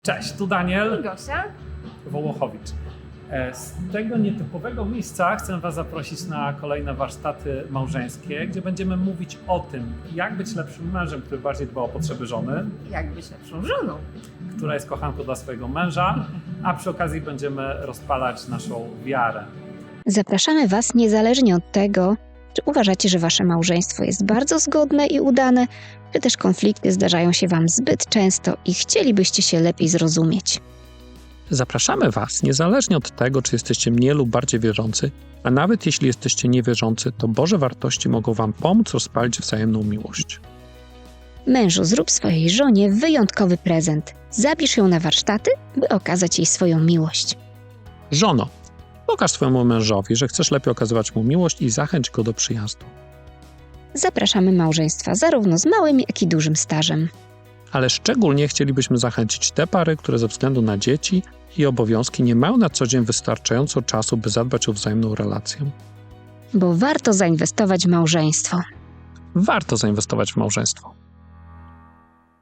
Cześć, tu Daniel I Gosia. Wołochowicz. Z tego nietypowego miejsca chcę Was zaprosić na kolejne warsztaty małżeńskie, gdzie będziemy mówić o tym, jak być lepszym mężem, który bardziej dba o potrzeby żony, Jak być lepszą żoną. która jest kochanką dla swojego męża, a przy okazji będziemy rozpalać naszą wiarę. Zapraszamy Was niezależnie od tego, czy uważacie, że Wasze małżeństwo jest bardzo zgodne i udane, czy też konflikty zdarzają się Wam zbyt często i chcielibyście się lepiej zrozumieć. Zapraszamy Was, niezależnie od tego, czy jesteście mniej lub bardziej wierzący, a nawet jeśli jesteście niewierzący, to Boże wartości mogą Wam pomóc rozpalić wzajemną miłość. Mężu, zrób swojej żonie wyjątkowy prezent. Zabierz ją na warsztaty, by okazać jej swoją miłość. Żono, pokaż swojemu mężowi, że chcesz lepiej okazywać mu miłość i zachęć go do przyjazdu. Zapraszamy małżeństwa zarówno z małym, jak i dużym stażem. Ale szczególnie chcielibyśmy zachęcić te pary, które ze względu na dzieci i obowiązki nie mają na co dzień wystarczająco czasu, by zadbać o wzajemną relację. Bo warto zainwestować w małżeństwo. Warto zainwestować w małżeństwo.